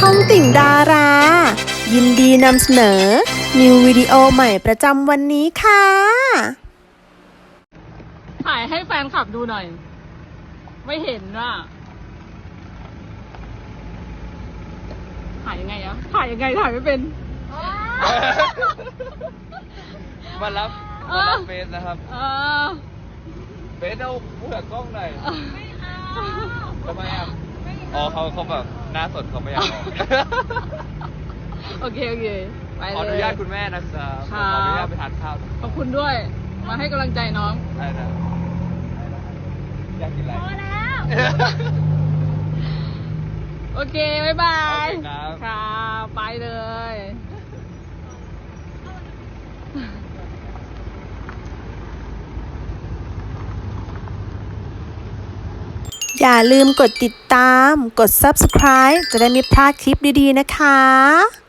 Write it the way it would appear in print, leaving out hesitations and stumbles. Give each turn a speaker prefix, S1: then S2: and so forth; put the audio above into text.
S1: องติ่งดารา ยินดีนำเสนอ นิววิดีโอใหม่ประจำวันนี้ค่ะ
S2: ถ่ายให้แฟนคลับดูหน่อย ไม่เห็นว่ะถ่ายยังไงอะถ่ายยังไงถ่ายไม่เป็น
S3: มารับเฟซนะครับเฟซเอาเผื่อกล้องหน่อยไม่เอาทำไมอ่ะอ๋อเขาแบบหน้าสดเขาไม่อยากออก
S2: โอเคไปเลย
S3: ขออนุญาตคุณแม่นะครับ
S2: ค
S3: ข
S2: รั
S3: อบ อนุญาตไปทานข้าว
S2: ขอบคุณด้วย มาให้กำลังใจน้อง
S3: ได้นะอยากกินอะไร
S2: พอแล้ว โอเคบ๊ายบาย
S3: โอเคครับ
S2: ค่ะไปเลย
S1: อย่าลืมกดติดตาม กด Subscribe จะได้ไม่พลาดคลิปดีๆนะคะ